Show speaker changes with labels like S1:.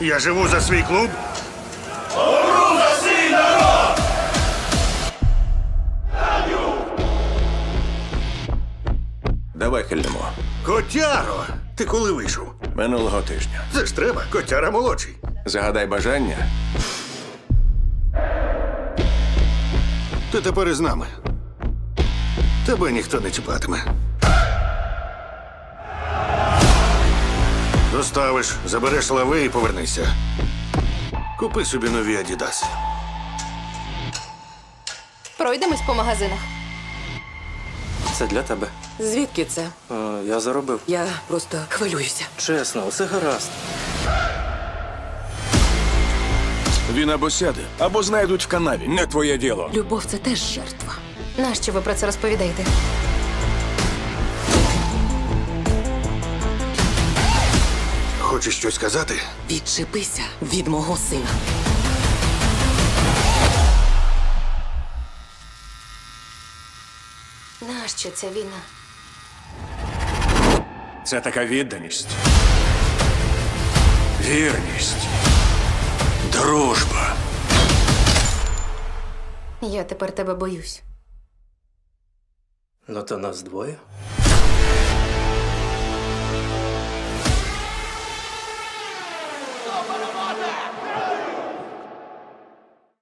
S1: Я живу за свій клуб.
S2: Давай хильнемо.
S1: Котяро! Ти коли вийшов?
S2: Минулого тижня.
S1: Це ж треба, котяра молодший.
S2: Загадай бажання.
S1: Ти тепер із нами. Тебе ніхто не чіпатиме. Доставиш, забереш лави і повернися. Купи собі нові Адідаси.
S3: Пройдемось по магазинах.
S4: Це для тебе.
S5: Звідки це?
S4: Я заробив.
S5: Я просто хвилююся.
S4: Чесно, усе гаразд.
S2: Він або сяде, або знайдуть в канаві. Не твоє діло.
S5: Любов це теж жертва.
S3: Нащо ви про це розповідаєте?
S1: Хочеш щось сказати?
S5: Відчепися від мого сина.
S3: Нащо ця війна?
S2: Це така відданість. Вірність. Дружба.
S3: Я тепер тебе боюсь.
S4: Ну то нас двоє.